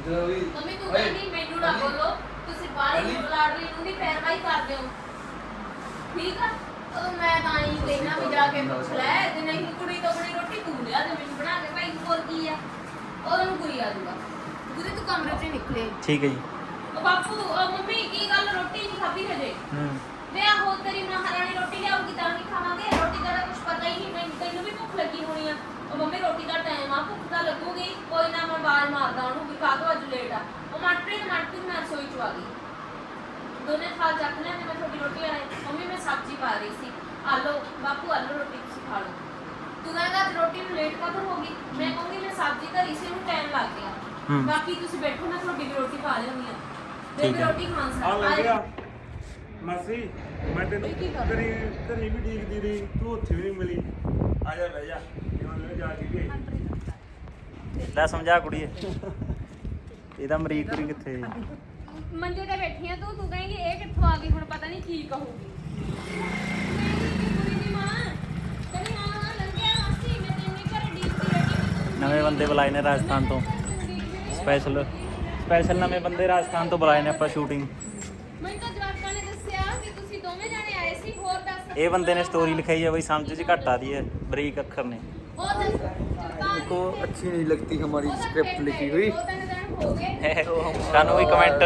Mummy ਤੂੰ ਕਹਿੰਦੀ ਮੈਨੂੰ ਨਾ ਬੋਲੋ ਤੁਸੀਂ ਬਾਹਲੀ ਲਾਡਲੀ ਨੂੰ ਨਹੀਂ ਪੈਰਵਾਈ ਕਰਦੇ ਹੋ ਠੀਕ ਆ ਉਹ ਮੈਂ ਤਾਂ ਹੀ ਕਹਿਣਾ ਵੀ ਜਾ ਕੇ ਪੁੱਛ ਲੈ ਤੇ ਨਹੀਂ ਕੁੜੀ ਤੋਂ ਬਣੀ ਰੋਟੀ ਤੂੰ ਲਿਆ ਤੇ ਮੈਨੂੰ ਬਣਾ ਕੇ ਭਾਈ ਹੋਰ ਕੀ ਆ ਉਹਨੂੰ ਕੁੜੀ ਆ ਜੂਗਾ ਗੁਰੇ ਤੂੰ ਕਮਰੇ 'ਚ ਨਿਕਲੇ ਠੀਕ ਹੈ ਜੀ ਉਹ ਬਾਪੂ ਮੰਮੀ ਕੀ ਗੱਲ ਰੋਟੀ ਨਹੀਂ ਖਾਧੀ ਹਜੇ ਮੈਂ ਆਹੋ ਤੇਰੀ ਮਹਾਰਾਣੀ ਰੋਟੀ ਲਿਆਉਗੀ ਤਾਂ ਨਹੀਂ ਖਾਵਾਂਗੇ ਰੋਟੀ ਦਾ ਕੁਝ ਪਤਾ ਹੀ ਨਹੀਂ ਮੈਨੂੰ ਤੈਨੂੰ ਵੀ ਭੁੱਖ ਲੱਗੀ ਹੋਣੀ ਆ ਉਹ ਮੰਮੀ ਰੋਟੀ ਦਾ ਟਾਈਮ ਆ ਭੁੱਖ ਤਾਂ ਲੱਗੂਗੀ ਕੋਈ ਨਾ ਮੈਂ ਆਵਾਜ਼ ਮਾਰਦਾ ਉਹਨੂੰ ਵੀ ਕਾਹਤੋਂ ਅੱਜ ਲੇਟ ਆ ਉਹ ਮਨਪ੍ਰੀਤ ਮੈਂ ਰਸੋਈ 'ਚ ਆ ਗਈ ਦੋਨੇ ਖਾ ਚੱਕ ਲਿਆ ਤੇ ਮੈਂ ਤੁਹਾਡੀ ਰੋਟੀ ਆਏ ਮੰਮੀ ਮੈਂ ਸਬਜ਼ੀ ਪਾ ਰਹੀ ਸੀ ਆਲੋ ਬਾਪੂ ਆਲੋ ਰੋਟੀ ਤੁਸੀਂ ਖਾ ਲਓ ਤੂੰ ਕਹਿੰਦਾ ਅੱਜ ਰੋਟੀ ਨੂੰ ਲੇਟ ਕਦੋਂ ਹੋ ਗਈ ਮੈਂ ਕਹੂੰਗੀ ਮੈਂ ਸਬਜ਼ੀ ਧਰੀ ਸੀ ਉਹਨੂੰ ਟਾਈਮ ਲੱਗ ਗਿਆ ਬਾਕੀ ਤੁਸੀਂ ਬੈਠੋ ਮੈਂ ਤੁਹਾਡੀ ਰੋਟੀ ਖਾ ਲਿਆਉਂਦੀ ਆ ਤੇ ਰੋਟੀ ਖਾਣ ਸਾਰ ਮਾਸੀ ਮੈਂ ਤੈਨੂੰ ਘਰੇ ਵੀ ਡੀਕਦੀ ਰਹੀ ਤੂੰ ਉੱਥੇ ਵੀ ਨਹੀਂ ਮਿਲੀ ਆ ਜਾ ਬਹਿ ਜਾ ਇਹਨਾਂ ਜਾ ਕੇ ਗਏ ਲੈ ਸਮਝਾ ਕੁੜੀਏ ਇਹਦਾ ਮਰੀਕ ਕੁੜੀ ਕਿੱਥੇ ਮੰਜੇ ਤੇ ਬੈਠੀ ਆ ਤੂੰ ਕਹੇਂਗੀ ਇਹ ਕਿੱਥੋਂ ਆ ਗਈ ਹੁਣ ਪਤਾ ਨਹੀਂ ਕੀ ਕਹੂਗੀ ਕੁੜੀ ਦੀ ਮਾਂ ਕਹਿੰਦੀ ਹਾਂ ਲੰਘਿਆ ਮਾਸੀ ਮੈਂ ਤੈਨੂੰ ਘਰੇ ਡੀਕਦੀ ਰਹੀ ਨਵੇਂ ਬੰਦੇ ਬੁਲਾਏ ਨੇ ਰਾਜਸਥਾਨ ਤੋਂ ਸਪੈਸ਼ਲ ਨਵੇਂ ਬੰਦੇ ਰਾਜਸਥਾਨ ਤੋਂ ਬੁਲਾਏ ਨੇ ਆਪਾਂ ਸ਼ੂਟਿੰਗ ਮੈਨੂੰ ਤਾਂ ਜਵਾਕਾਂ ਨੇ ਦੱਸਿਆ ਵੀ ਤੁਸੀਂ ਦੋਵੇਂ ਜਾਣੇ ਆਏ ਸੀ ਹੋਰ ਦੱਸ ਇਹ ਬੰਦੇ ਨੇ ਸਟੋਰੀ ਲਿਖਾਈ ਹੈ ਬਈ ਸਮਝ 'ਚ ਘੱਟ ਆ ਰਹੀ ਹੈ ਬਰੀਕ ਅੱਖਰ ਨੇ ਉਹ ਦੱਸ को अच्छी नहीं लगती हमारी स्क्रिप्ट लिखी हुई ਸਾਨੂੰ ਵੀ ਕਮੈਂਟ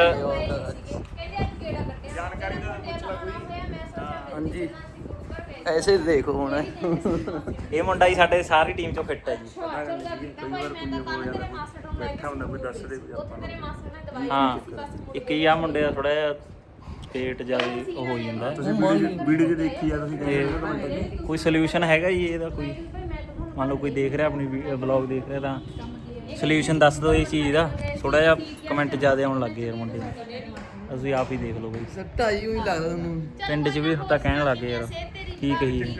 हाँ जी ऐसे देखो होना ਇਹ ਮੁੰਡਾ ਹੀ ਸਾਡੇ ਸਾਰੀ ਟੀਮ ਚੋਂ ਫਿੱਟ ਹੈ ਜੀ ਬੈਠਾ ਹੁੰਦਾ ਕੋਈ ਦੱਸ ਦੇ ਆਪਾਂ ਹਾਂ ਇੱਕ ਹੀ ਆ ਮੁੰਡੇ ਦਾ ਥੋੜਾ ਜਿਹਾ ਪੇਟ ਜ਼ਿਆਦਾ ਉਹ ਹੋ ਜਾਂਦਾ ਤੁਸੀਂ ਵੀਡੀਓ 'ਚ ਦੇਖੀ ਆ ਤੁਸੀਂ ਤੇ ਕੋਈ ਸੋਲੂਸ਼ਨ ਹੈਗਾ ਜੀ ਇਹਦਾ ਕੋਈ ਮੰਨ ਲਓ ਕੋਈ ਦੇਖ ਰਿਹਾ ਆਪਣੀ ਵਲੌਗ ਦੇਖ ਰਿਹਾ ਤਾਂ ਸੋਲੂਸ਼ਨ ਦੱਸ ਦਿਓ ਇਸ ਚੀਜ਼ ਦਾ ਥੋੜਾ ਜਿਹਾ ਕਮੈਂਟ ਜ਼ਿਆਦਾ ਆਉਣ ਲੱਗ ਗਏ ਯਾਰ ਮੁੰਡੇ ਦੇ ਤੁਸੀਂ ਆਪ ਹੀ ਦੇਖ ਲਓ ਬਈ सट्टा ही लगता तुम ਪਿੰਡ 'ਚ ਵੀ ਤਾਂ ਕਹਿਣ ਲੱਗ ਗਏ ਯਾਰ ਕੀ ਕਹੀਏ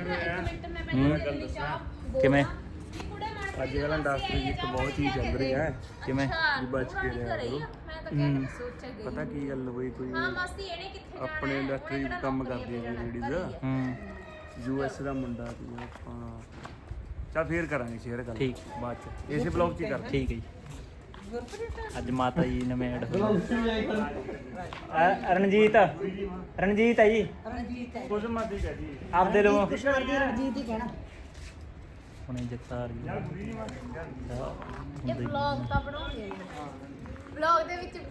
ਕਿਵੇਂ ਅੱਜ ਕੱਲ੍ਹ ਇੰਡਸਟਰੀ ਵਿੱਚ ਬਹੁਤ ਚੀਜ਼ ਚੱਲ ਰਹੀ ਹੈ ਕਿਵੇਂ ਵੀ ਬਚ ਕੇ ਰਿਹਾ ਕਰੋ ਪਤਾ ਕੀ ਗੱਲ ਹੋਈ ਕੋਈ ਆਪਣੇ ਇੰਡਸਟਰੀ 'ਚ ਕੰਮ ਕਰਦੀਆਂ ਜੀ ਲੇਡੀਜ਼ ਯੂਐਸ ਦਾ ਮੁੰਡਾ ਸੀ ਆਪਾਂ ਚੱਲ ਫੇਰ ਕਰਾਂਗੇ ਸ਼ੇਅਰ ਗੱਲ ਠੀਕ ਬਾਅਦ 'ਚ ਇਸੇ ਬਲੌਗ 'ਚ ਹੀ ਕਰ ਠੀਕ ਹੈ ਜੀ ਅੱਜ ਮਾਤਾ ਜੀ ਨਵੇਂ ਐਡ ਰਣਜੀਤ ਹੈ ਜੀ ਕੁਝ ਮਾਦੀ ਕਹਿ ਜੀ ਆਪਦੇ ਲੋ ਰਣਜੀਤ ਹੀ ਕਹਿਣਾ ਹੁਣੇ ਜਗਤਾਰ ਜੀ ਇਹ ਵਲੌਗ ਤਾਂ ਬਣਾਉਂਦੇ ਵਲੌਗ ਦੇ ਵਿੱਚ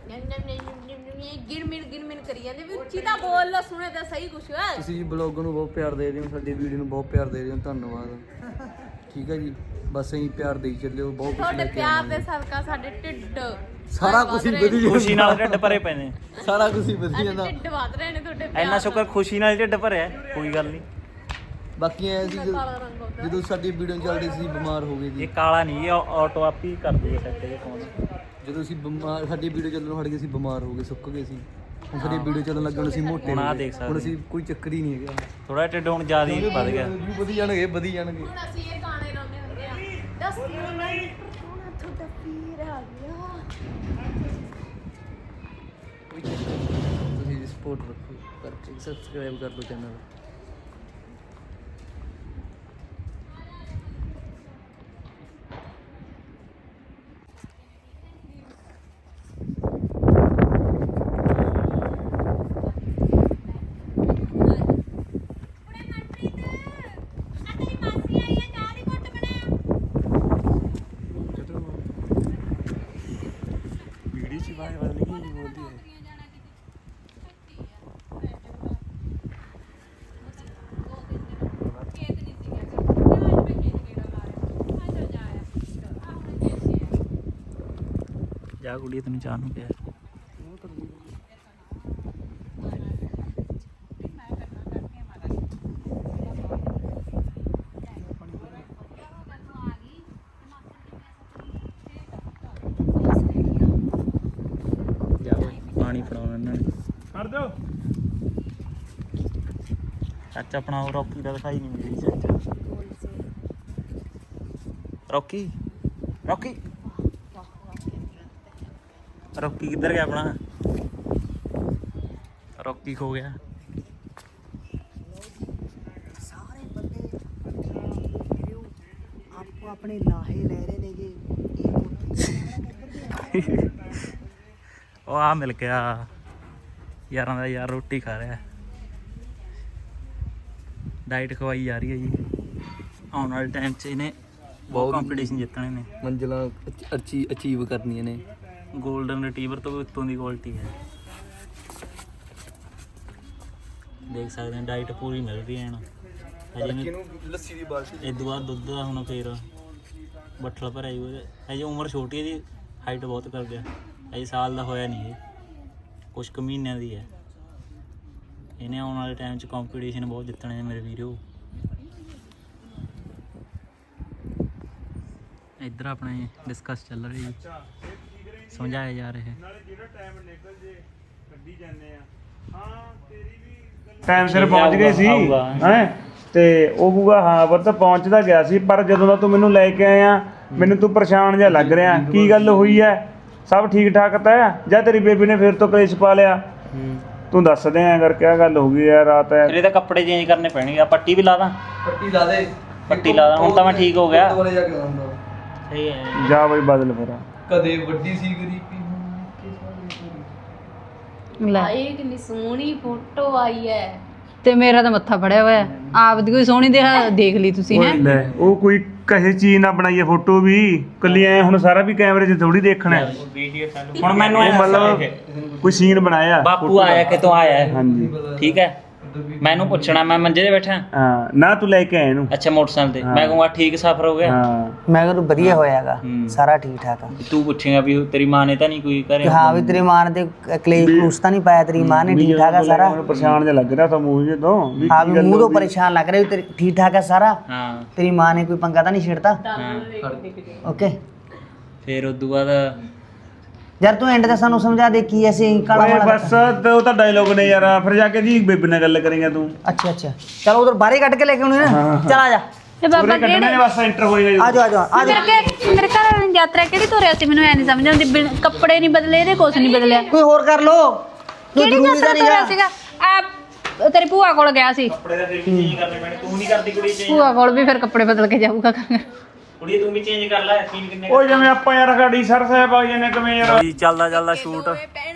ਗਿਰਮਿਨ ਕਰੀ ਜਾਂਦੇ ਵੀ ਉੱਚੀ ਤਾਂ ਬੋਲ ਲੋ ਸੁਣੇ ਤਾਂ ਸਹੀ ਕੁਛ ਤੁਸੀਂ ਬਲੌਗ ਨੂੰ ਬਹੁਤ ਪਿਆਰ ਦੇ ਰਹੇ ਹੋ ਸਾਡੀ ਵੀਡੀਓ ਨੂੰ ਬਹੁਤ ਪਿਆਰ ਦੇ ਰਹੇ ਹੋ ਧੰਨਵਾਦ ਠੀਕ ਹੈ ਜੀ ਬਸ ਐਂ ਪਿਆਰ ਦੇਈ ਚੱਲਿਓ ਬਹੁਤ ਕੁਝ ਤੁਹਾਡੇ ਪਿਆਰ ਦੇ ਸਦਕਾ ਸਾਡੇ ਢਿੱਡ ਸਾਰਾ ਕੁਝ ਹੀ ਵਧੀਆ ਖੁਸ਼ੀ ਨਾਲ ਢਿੱਡ ਭਰੇ ਪਏ ਨੇ ਸਾਰਾ ਕੁਝ ਹੀ ਵਧੀਆ ਜਾਂਦਾ ਢਿੱਡ ਵਧ ਰਹੇ ਨੇ ਤੁਹਾਡੇ ਪਿਆਰ ਇੰਨਾ ਸ਼ੁਕਰ ਖੁਸ਼ੀ ਨਾਲ ਢਿੱਡ ਭਰਿਆ ਕੋਈ ਗੱਲ ਨਹੀਂ ਬਾਕੀ ਐ ਸੀ ਕਾਲਾ ਰੰਗ ਹੁੰਦਾ ਜਦੋਂ ਸਾਡੀ ਵੀਡੀਓ ਚੱਲਦੀ ਸੀ ਬਿਮਾਰ ਹੋ ਗਏ ਜੀ ਇਹ ਕਾਲਾ ਨਹੀਂ ਇਹ ਆਟੋ ਆਪ ਹੀ ਕਰ ਦੂਗਾ ਸੈੱਟ ਇਹ ਫੋਨ ਜਦੋਂ ਅਸੀਂ ਬਿਮਾਰ ਸਾਡੀ ਵੀਡੀਓ ਚੱਲਣੋਂ ਹਟ ਗਈ ਸੀ ਬਿਮਾਰ ਹੋ ਗਏ ਸੁੱਕ ਗਏ ਸੀ ਹੁਣ ਸਾਡੀ ਵੀਡੀਓ ਚੱਲਣ ਲੱਗਣ ਅਸੀਂ ਮੋਟੇ ਹੁਣ ਆਹ ਹੋ ਗਏ। ਦੇਖ ਸਕਦੇ ਹੁਣ ਅਸੀਂ ਕੋਈ ਚੱਕਰ ਹੀ ਨਹੀਂ ਹੈਗਾ ਥੋੜਾ ਢਿੱਡ ਹੁਣ ਜ਼ਿਆਦਾ ਹੀ ਵੱਧ ਗਿਆ ਵਧੀ ਜਾਣਗੇ ਵਧੀ ਜਾਣਗੇ ਹੁਣ ਅਸੀਂ ਇਹ ਗਾਣੇ ਲਾਉਂਦੇ ਹੁੰਦੇ ਆ ਦੱਸ ਹੁਣ ਤੁਹਾਡਾ ਪੀਰ ਆ ਗਿਆ ਤੁਸੀਂ ਸਪੋਰਟ ਰੱਖੋ ਕਰਕੇ ਸਬਸਕ੍ਰਾਈਬ ਕਰ ਲਓ ਚੈਨਲ ਵੀਡੀਓ 'ਚ ਬਾਹਰ ਬਦਲ ਗਈ ਬੋਲਦੀ ਹੈ ਜਾ ਕੁੜੀ ਤੈਨੂੰ ਚਾਹ ਨੂੰ ਪਿਆ ਜਾ ਓਏ ਪਾਣੀ ਫੜਾਉਣਾ ਇਹਨਾਂ ਨੇ ਕਰ ਦਿਓ ਚਾਚਾ ਆਪਣਾ ਉਹ ਰੌਕੀ ਦਾ ਦਿਖਾਈ ਨਹੀਂ ਮਿਲੀ ਚਾਚਾ ਰੌਕੀ ਰੌਕੀ ਰੌਕੀ ਕਿੱਧਰ ਗਿਆ ਆਪਣਾ ਰੌਕੀ ਖੋ ਗਿਆ ਸਾਰੇ ਬੰਦੇ ਆਪੋ ਆਪਣੇ ਲਾਹੇ ਲੈ ਰਹੇ ਨੇ ਜੀ ਇਹ ਉਹ ਆ ਮਿਲ ਗਿਆ ਯਾਰਾਂ ਦਾ ਯਾਰ, ਰੋਟੀ ਖਾ ਰਿਹਾ, ਡਾਈਟ ਖਵਾਈ ਜਾ ਰਹੀ ਹੈ ਜੀ। ਆਉਣ ਵਾਲੇ ਟਾਈਮ 'ਚ ਇਹਨੇ ਬਹੁਤ ਕੰਪੀਟੀਸ਼ਨ ਜਿੱਤਣੇ ਨੇ, ਮੰਜ਼ਿਲਾਂ ਅਚੀਵ ਕਰਨੀਆਂ ਨੇ। ਗੋਲਡਨ ਰਿਟਰੀਵਰ ਤੋਂ ਵੀ ਉੱਤੋਂ ਦੀ ਕੁਆਲਿਟੀ ਹੈ। ਦੇਖ ਸਕਦੇ ਹਾਂ ਡਾਈਟ ਪੂਰੀ ਮਿਲ ਰਹੀ ਹੈ ਨਾ। ਹਜੇ ਲੱਸੀ ਦੀ ਬਾਲਟੀ ਇਹ ਤੋਂ ਬਾਅਦ ਦੁੱਧ ਦਾ ਹੁਣ ਫੇਰ ਬੱਠਲ ਭਰਿਆ ਜੀ ਉਹਦੇ। ਹਜੇ ਉਮਰ ਛੋਟੀ ਹੈ ਜੀ, ਹਾਈਟ ਬਹੁਤ ਕਰ ਗਿਆ, ਹਜੇ ਸਾਲ ਦਾ ਹੋਇਆ ਨਹੀਂ ਇਹ, ਕੁਛ ਕੁ ਮਹੀਨਿਆਂ ਦੀ ਹੈ। ਇਹਨੇ ਆਉਣ ਵਾਲੇ ਟਾਈਮ 'ਚ ਕੰਪੀਟੀਸ਼ਨ ਬਹੁਤ ਜਿੱਤਣੇ ਨੇ ਮੇਰੇ ਵੀਰੋ। ਇੱਧਰ ਆਪਣੇ ਡਿਸਕਸ ਚੱਲ ਰਹੀ ਜੀ, ਸਮਝਾਇਆ ਜਾ ਰਿਹਾ ਹੈ। ਟਾਈਮ ਸਿਰ ਪਹੁੰਚ ਗਏ ਸੀ ਹੈ ਤੇ ਉਹ ਕਹੂਗਾ ਹਾਂ ਪੁੱਤ ਪਹੁੰਚਦਾ ਗਿਆ ਸੀ, ਪਰ ਜਦੋਂ ਦਾ ਤੂੰ ਮੈਨੂੰ ਲੈ ਕੇ ਆਇਆ ਮੈਨੂੰ ਤੂੰ ਪਰੇਸ਼ਾਨ ਜਿਹਾ ਲੱਗ ਰਿਹਾ। ਕੀ ਗੱਲ ਹੋਈ ਹੈ? ਸਭ ਠੀਕ ਠਾਕ ਤਾਂ ਹੈ ਜਾਂ ਤੇਰੀ ਬੇਬੀ ਨੇ ਫਿਰ ਤੋਂ ਕਲੇਸ਼ ਪਾ ਲਿਆ? ਤੂੰ ਦੱਸ ਦੇ ਐਂ ਕਰਕੇ ਆ ਗੱਲ ਹੋ ਗਈ ਯਾਰ ਰਾਤ ਹੈ। ਫਿਰ ਇਹਦੇ ਕੱਪੜੇ ਚੇਂਜ ਕਰਨੇ ਪੈਣਗੇ। ਆ ਪੱਟੀ ਵੀ ਲਾ ਦਾਂ? ਪੱਟੀ ਲਾ ਦੇ, ਪੱਟੀ ਲਾ ਦਾਂ, ਹੁਣ ਤਾਂ ਮੈਂ ਠੀਕ ਹੋ ਗਿਆ। ਦੁਬਾਰੇ ਜਾ ਕੇ ਲਾਉਂਦਾ। ਸਹੀ ਹੈ। ਜਾ ਬਈ ਬਦਲ ਫਿਰ। ਕਦੇ ਵੱਡੀ ਸੀ ਗਰੀਬੀ ਆਏ ਕਿੰਨੀ ਸੋਹਣੀ ਫੋਟੋ ਆਈ ਹੈ। ਤੇ ਮੇਰਾ ਤਾਂ ਮੱਥਾ ਫੜਿਆ ਹੋਇਆ, ਆਪ ਦੀ ਕੋਈ ਸੋਹਣੀ ਦੇਖ ਲਈ ਤੁਸੀਂ ਹੈ। ਲੈ ਉਹ ਕੋਈ ਕਹੇ ਚੀਜ਼ ਨਾ ਬਣਾਈਏ ਫੋਟੋ ਵੀ ਕੱਲੀ ਐ, ਹੁਣ ਸਾਰਾ ਵੀ ਕੈਮਰੇ 'ਚ ਥੋੜੀ ਦੇਖਣਾ ਹੈ। ਹੁਣ ਮੈਨੂੰ ਉਹ ਮਤਲਬ ਕੋਈ ਸੀਨ ਬਣਾਇਆ ਬਾਪੂ ਆਇਆ ਕਿਤੋਂ ਆਇਆ ਹੈ? ਹਾਂਜੀ ਠੀਕ ਹੈ, ਮੈਨੂੰ ਪੁੱਛਣਾ, ਮੈਂ ਮੰਜੇ ਤੇ ਬੈਠਾ। ਹਾਂ ਨਾ ਤੂੰ ਲੈ ਕੇ ਆਇਆ ਇਹਨੂੰ। ਅੱਛਾ ਮੋਟਰਸਾਈਕਲ ਤੇ, ਮੈਂ ਕਹੂੰਗਾ ਠੀਕ ਸਫ਼ਰ ਹੋ ਗਿਆ। ਹਾਂ ਮੈਂ ਕਿਹਾ ਵਧੀਆ ਹੋਇਆਗਾ, ਸਾਰਾ ਠੀਕ ਠਾਕ ਆ। ਤੂੰ ਪੁੱਛੇਗਾ ਵੀ ਤੇਰੀ ਮਾਂ ਨੇ ਤਾਂ ਨਹੀਂ ਕੋਈ ਕਿ ਕਰਿਆ? ਹਾਂ ਵੀ ਤੇਰੀ ਮਾਂ ਨੇ ਤੇ ਕਲੇਸ਼ ਕਲੂਸ ਤਾਂ ਨਹੀਂ ਪਾਇਆ, ਤੇਰੀ ਮਾਂ ਨੇ ਠੀਕ ਠਾਕ ਆ ਸਾਰਾ। ਮੈਨੂੰ ਪਰੇਸ਼ਾਨ ਜਿਹਾ ਲੱਗ ਰਿਹਾ ਤਾਂ ਮੂੰਹ ਜੇ ਤੋਂ ਵੀ ਹਾਂ ਵੀ ਮੂੰਹ ਤੋਂ ਪਰੇਸ਼ਾਨ ਲੱਗ ਰਿਹਾ ਵੀ ਤੇਰੀ ਠੀਕ ਠਾਕ ਆ ਸਾਰਾ। ਹਾਂ ਤੇਰੀ ਮਾਂ ਨੇ ਕੋਈ ਪੰਗਾ ਤਾਂ ਨਹੀਂ ਛੇੜਤਾ? ਹਾਂ। ਓਕੇ ਫਿਰ ਉਦੋਂ ਬਾਅਦ ਯਾਰ ਤੂੰ ਐਂਡ ਤੇ ਸਾਨੂੰ ਸਮਝਾ ਦੇ ਕੀ ਅਸੀਂ ਕਾਲਾ ਓਏ ਵਾਲਾ। ਬਸ ਤੇ ਉਹ ਤਾਂ ਡਾਇਲੋਗ ਨੇ ਯਾਰ, ਫਿਰ ਜਾ ਕੇ ਜੀ ਬੇਬੀ ਨਾਲ ਗੱਲ ਕਰੇਗਾ ਤੂੰ। ਅੱਛਾ ਅੱਛਾ ਚਲੋ ਉਧਰ ਬਾਹਰ ਹੀ ਕੱਢ ਕੇ ਲੈ ਕੇ ਆਉਣੀ ਨਾ। ਚਲ ਆ ਜਾ ਤੇ ਬਾਬਾ ਉਹਨੇ ਕੱਢਣੇ ਨੇ ਬਸ ਐਂਟਰ ਹੋਏਗਾ। ਆ ਜਾ ਆ ਜਾ ਆ ਜਾ। ਮੇਰੇ ਘਰ ਵਾਲੀ ਨੇ ਯਾਤਰਾ ਕਿਹੜੀ ਤੋਰਿਆ ਸੀ, ਮੈਨੂੰ ਐ ਨਹੀਂ ਸਮਝ ਆਉਂਦੀ। ਕੱਪੜੇ ਨਹੀਂ ਬਦਲੇ, ਇਹਦੇ ਕੁਛ ਨਹੀਂ ਬਦਲਿਆ। ਕੋਈ ਹੋਰ ਕਰ ਲੋ, ਕੋਈ ਕਿਹੜੀ ਜ਼ਰੂਰੀ ਯਾਤਰਾ ਤਾਂ ਤੋਰਿਆ ਨਹੀਂ ਸੀਗਾ? ਆ ਤੇਰੀ ਭੂਆ ਕੋਲ ਗਿਆ ਸੀ, ਕੱਪੜੇ ਦਾ ਫਿਰ ਵੀ ਚੇਂਜ ਕਰਨੇ ਪੈਣੇ। ਤੂੰ ਨਹੀਂ ਕਰਦੀ ਕੁੜੀ ਚੇਂਜ? ਭੂਆ ਕੋਲ ਵੀ ਫਿਰ ਕੱਪੜੇ ਬਦਲ ਕੇ ਜਾਊਗਾ। ਕੁੜੀ ਤੂੰ ਵੀ ਚੇਂਜ ਕਰ ਲੈ। ਸੀਨ ਕਿੰਨੇ ਓ ਜਿਵੇਂ ਆਪਾਂ ਯਾਰ ਗਾੜੀ ਸਰ ਸਾਹਿਬ ਆ ਜਾਂਦੇ ਕਿਵੇਂ ਯਾਰ। ਜੀ ਚੱਲਦਾ ਸ਼ੂਟ,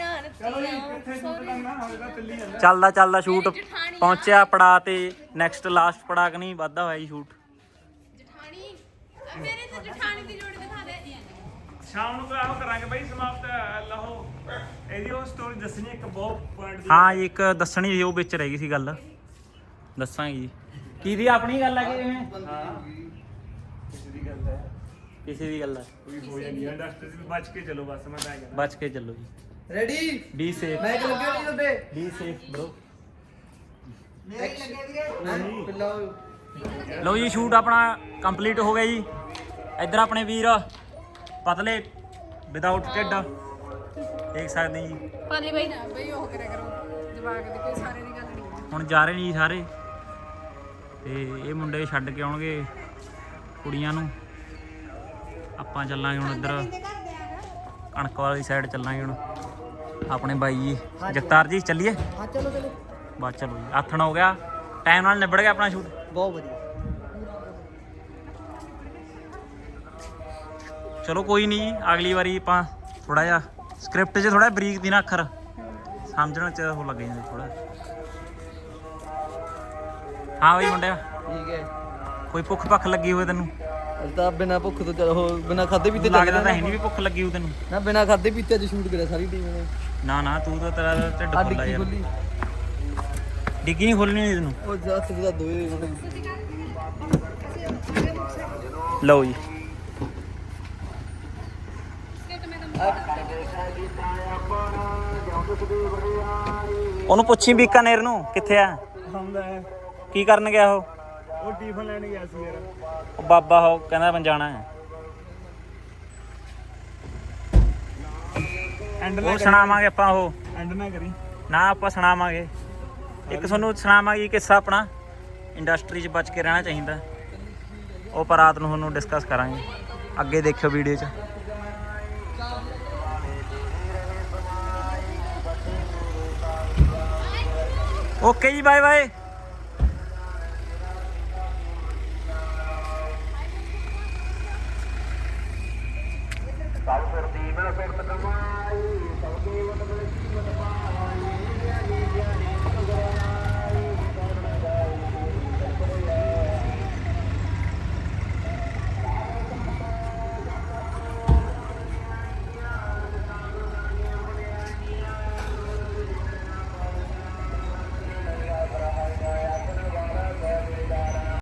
ਚੱਲਦਾ ਸ਼ੂਟ ਪਹੁੰਚਿਆ ਪੜਾ ਤੇ ਨੈਕਸਟ ਲਾਸਟ ਪੜਾ ਕਿ ਨਹੀਂ ਵਾਧਾ ਹੋਇਆ ਜੀ ਸ਼ੂਟ। ਜਠਾਣੀ ਮੇਰੇ ਤੇ ਜਠਾਣੀ ਦੀ ਜੋੜੀ ਦਿਖਾ ਦੇ। ਸ਼ਾਮ ਨੂੰ ਆਹੋ ਕਰਾਂਗੇ ਬਈ ਸਮਾਪਤ। ਲਹੋ ਇਹਦੀ ਉਹ ਸਟੋਰੀ ਦੱਸਣੀ ਇੱਕ ਬਹੁਤ ਪੁਆਇੰਟ ਦੀ। ਹਾਂ ਜੀ, ਇੱਕ ਦੱਸਣੀ ਸੀ, ਉਹ ਵਿੱਚ ਰਹਿ ਗਈ ਸੀ ਗੱਲ, ਦੱਸਾਂਗੇ ਜੀ। ਕੀ ਦੀ ਆਪਣੀ ਗੱਲ ਹੈ ਕਿ ਜਿਵੇਂ? ਹਾਂ ਕਿਸੇ ਦੀ ਗੱਲ ਹੈ, ਕੋਈ ਹੋ ਜਾਂਦੀ ਹੈ ਇੰਡਸਟਰੀ ਵਿੱਚ। ਬਚ ਕੇ ਚਲੋ ਬਸ, ਮੈਂ ਤਾਂ ਕਹਿੰਦਾ ਬਚ ਕੇ ਚੱਲੋ ਜੀ। ਰੈਡੀ ਬੀ ਸੇਫ, ਮੈਂ ਕਿ ਲੱਗਿਆ ਨਹੀਂ ਉੱਤੇ ਬੀ ਸੇਫ ਬ్రో। ਪਿੱਲਾ ਲਓ ਜੀ ਸ਼ੂਟ ਆਪਣਾ ਕੰਪਲੀਟ ਹੋ ਗਿਆ ਜੀ। ਇੱਧਰ ਆਪਣੇ ਵੀਰ ਪਤਲੇ ਵਿਦਆਊਟ ਢਿੱਡ ਦੇਖ ਸਕਦੇ ਜੀ। ਪਾਲੀ ਬਾਈ ਨਾ ਬਈ ਉਹ ਕਰਿਆ ਕਰੋ, ਜਵਾਕ ਦੇ ਕੋਈ ਸਾਰੇ ਦੀ ਗੱਲ ਨਹੀਂ। ਹੁਣ ਜਾ ਰਹੇ ਨੇ ਜੀ ਸਾਰੇ, ਤੇ ਇਹ ਮੁੰਡੇ ਛੱਡ ਕੇ ਆਉਣਗੇ ਕੁੜੀਆਂ ਨੂੰ। ਆਪਾਂ ਚੱਲਾਂਗੇ ਹੁਣ ਇੱਧਰ ਕਣਕ ਵਾਲੀ ਸਾਈਡ ਚੱਲਾਂਗੇ ਹੁਣ। ਆਪਣੇ ਬਾਈ ਜੀ ਜਗਤਾਰ ਜੀ ਚੱਲੀਏ? ਹਾਂ ਚਲੋ ਚਲੋ ਬਸ ਚਲੋ ਜੀ, ਆਥਣ ਹੋ ਗਿਆ, ਟਾਈਮ ਨਾਲ ਨਿਬੜ ਗਿਆ ਆਪਣਾ ਸ਼ੂਟ। ਬਹੁਤ ਵਧੀਆ। ਚਲੋ ਕੋਈ ਨਹੀਂ ਜੀ, ਅਗਲੀ ਵਾਰੀ ਆਪਾਂ ਥੋੜਾ ਜਿਹਾ ਸਕ੍ਰਿਪਟ 'ਚ ਥੋੜਾ ਬਰੀਕ ਦੀ ਨਾ ਅੱਖਰ ਸਮਝਣ 'ਚ ਉਹ ਲੱਗ ਜਾਂਦੇ ਥੋੜਾ। ਹਾਂ ਬਈ ਮੁੰਡਿਆ, ਠੀਕ ਹੈ। ਕੋਈ ਭੁੱਖ ਭੱਖ ਲੱਗੀ ਹੋਵੇ ਤੈਨੂੰ? ਅੱਜ ਤਾਂ ਬਿਨਾ ਭੁੱਖ ਤੋਂ ਚਲੋ ਬਿਨਾ ਖਾਦੇ ਪੀਤੇ ਲੱਗਦਾ ਤਾਂ ਹੈ ਨਹੀਂ ਵੀ ਭੁੱਖ ਲੱਗੀ ਹੋਊ ਤੈਨੂੰ। ਨਾ ਬਿਨਾ ਖਾਦੇ ਪੀਤੇ ਅੱਜ ਸ਼ੂਟ ਕਰਿਆ ਸਾਰੀ ਟੀਮ ਨੇ। ਨਾ ਤੂੰ ਤਾਂ ਤੇਰਾ ਢਿੱਡ ਆ ਫੁੱਲਾ ਡਿੱਗੀ ਯਾਰ। ਖੁੱਲੀ ਡਿੱਗੀ ਨਹੀਂ ਖੋਲਣੀ ਹੋਈ ਤੈਨੂੰ। ਉਹ ਜਾ ਸਿੱਧਾ ਦੋਏ ਲਓ ਜੀ, ਉਹਨੂੰ ਪੁੱਛੀ ਬੀਕਾਨੇਰ ਨੂੰ ਕਿੱਥੇ ਆ, ਆਉਂਦਾ ਹੈ। ਕੀ ਕਰਨ ਗਿਆ ਉਹ? ਉਹ ਟਿਫਨ ਲੈਣ ਗਿਆ ਸੀ ਯਾਰ। ਉਹ ਬਾਬਾ ਉਹ ਕਹਿੰਦਾ ਮੈਂ ਜਾਣਾ ਹੈ। ਐਂਡ ਉਹ ਸੁਣਾਵਾਂਗੇ ਆਪਾਂ, ਉਹ ਐਂਡ ਨਾ ਕਰੀ। ਨਾ ਆਪਾਂ ਸੁਣਾਵਾਂਗੇ ਇੱਕ ਤੁਹਾਨੂੰ ਸੁਣਾਵਾਂਗੇ ਕਿੱਸਾ ਆਪਣਾ ਇੰਡਸਟਰੀ 'ਚ ਬਚ ਕੇ ਰਹਿਣਾ ਚਾਹੀਦਾ। ਉਹ ਪਰ ਰਾਤ ਨੂੰ ਤੁਹਾਨੂੰ ਡਿਸਕਸ ਕਰਾਂਗੇ, ਅੱਗੇ ਦੇਖਿਓ ਵੀਡੀਓ 'ਚ। ਓਕੇ ਜੀ, ਬਾਏ ਬਾਏ। ਸਭ ਸੁਰਤੀ ਮੈਂ ਸੁਰਤ ਕਮਾਈ ਸਭ ਕੀਮਤ ਮਿਲ ਕੀਮਤ ਪਾਈ